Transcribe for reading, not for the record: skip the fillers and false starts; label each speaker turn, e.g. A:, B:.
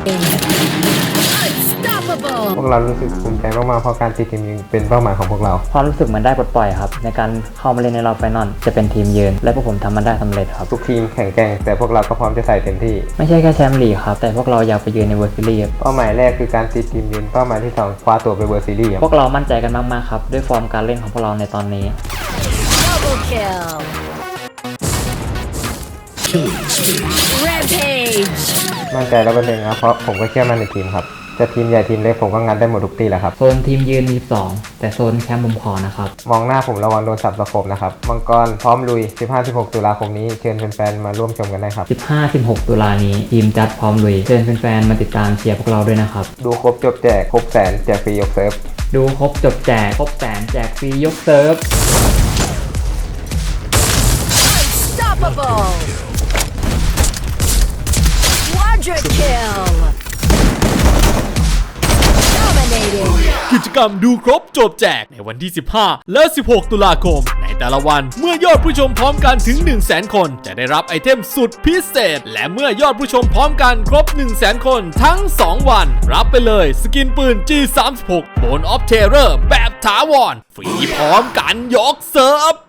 A: พวกเรารู้สึกภูมิใจมากๆเพราะการติดทีมยืนเป็นเป้าหมายของพวกเรา
B: ความรู้สึกเหมือนได้ปลดปล่อยครับในการเข้ามาเล่นในรอบไฟนอลจะเป็นทีมยืนและพวกผมทำมันได้สำเร็จครับ
A: ทุกทีมแข่งแกร่งแต่พวกเราก็พร้อมจะใส่เต็มที่
B: ไม่ใช่แค่แชมป์ลีกครับแต่พวกเราอยากไปยืนในเวอร์ซิลี
A: เป้าหมายแรกคือการติดทีมยืนเป้าหมายที่2คว้าตัวไปเวอร์ซีรีส์
B: พวกเรามั่นใจกันมากๆครับด้วยฟอร์มการเล่นของพวกเราในตอนนี้
A: มั่นใจ100%ครับเพราะผมก็เชื่อมั่นในทีมครับจะทีมใหญ่ทีมเล็กผมก็งัดได้หมดทุกตีแหละครับ
B: โซนทีมยืนมี2แต่โซนแชมป์ผมขอนะครับ
A: มองหน้าผมระวังโดนสับสะโขบนะครับมังกรพร้อมลุย 15-16 ตุลาคมนี้เชิญแฟนๆมาร่วมชมกันได้ครับ
B: 15-16 ตุลานี้ทีมจัดพร้อมลุยเชิญแฟนๆมาติดตามเชียร์พวกเราด้วยนะครับ
A: ดูครบจบแจกครบแสนแจกฟรียกเซิร์ฟ
B: ดูครบจบแจกครบแสนแจกฟรียกเซิร์ฟ
C: กิจกรรมดูครบจบแจกในวันที่ 15 และ 16 ตุลาคมในแต่ละวันเมื่อยอดผู้ชมพร้อมกันถึง 100,000 คนจะได้รับไอเทมสุดพิเศษและเมื่อยอดผู้ชมพร้อมกันครบ 100,000 คนทั้ง 2 วันรับไปเลยสกินปืน G36 Bone of Terror แบบถาวรฟรีพร้อมกันยกเซิร์ฟ